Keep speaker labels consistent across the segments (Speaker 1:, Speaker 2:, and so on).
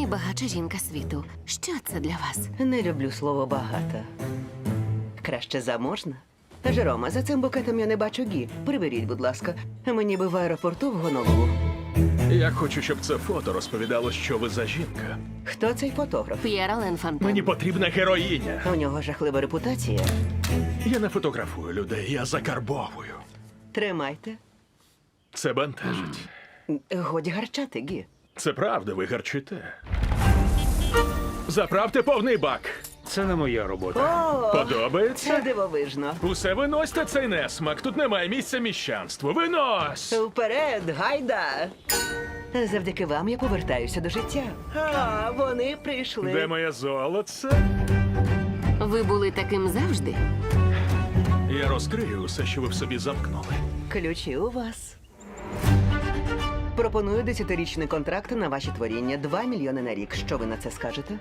Speaker 1: найбагатша жінка світу. Що це для вас?
Speaker 2: Не люблю слово багата. Краще заможна. Жерома, за цим букетом я не бачу Гі. Приберіть, будь ласка. Мені би в аеропорту в Гонолулу.
Speaker 3: Я хочу, щоб це фото розповідало, що ви за жінка.
Speaker 2: Хто цей фотограф?
Speaker 1: П'єр Ален Фонтен.
Speaker 3: Мені потрібна героїня.
Speaker 2: У нього жахлива репутація.
Speaker 3: Я не фотографую людей, я закарбовую.
Speaker 2: Тримайте.
Speaker 3: Це бентежить.
Speaker 2: Годі гарчати, Гі.
Speaker 3: Це правда, ви гарчите. Заправте повний бак.
Speaker 4: Це не моя робота.
Speaker 2: О, це
Speaker 3: Подобається?
Speaker 2: дивовижно.
Speaker 3: Усе виносьте цей несмак. Тут немає місця міщанству. Винось!
Speaker 2: Вперед, гайда! Завдяки вам я повертаюся до життя. А, вони прийшли.
Speaker 3: Де моє золоце?
Speaker 1: Ви були таким завжди?
Speaker 3: Я розкрию усе, що ви в собі замкнули.
Speaker 2: Ключі у вас. Пропоную 10-річний контракт на ваші творіння. 2 мільйони на рік. Що ви на це скажете?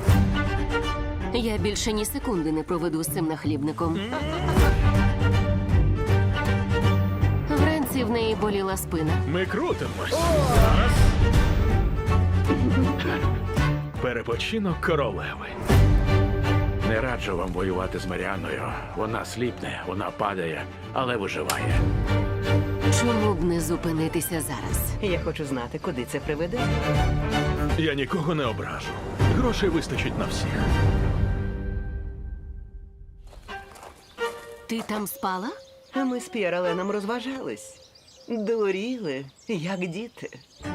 Speaker 1: Я більше ні секунди не проведу з цим нахлібником. Вранці в неї боліла спина.
Speaker 3: Ми крутимось. Перепочинок королеви.
Speaker 4: Не раджу вам воювати з Маріанною. Вона сліпне, вона падає, але виживає.
Speaker 1: Чому б не зупинитися зараз?
Speaker 2: Я хочу знати, куди це приведе.
Speaker 3: Я нікого не ображу. Грошей вистачить на всіх.
Speaker 1: Ти там спала?
Speaker 2: А ми з П'єр Аленом розважались. Дуріли, як діти.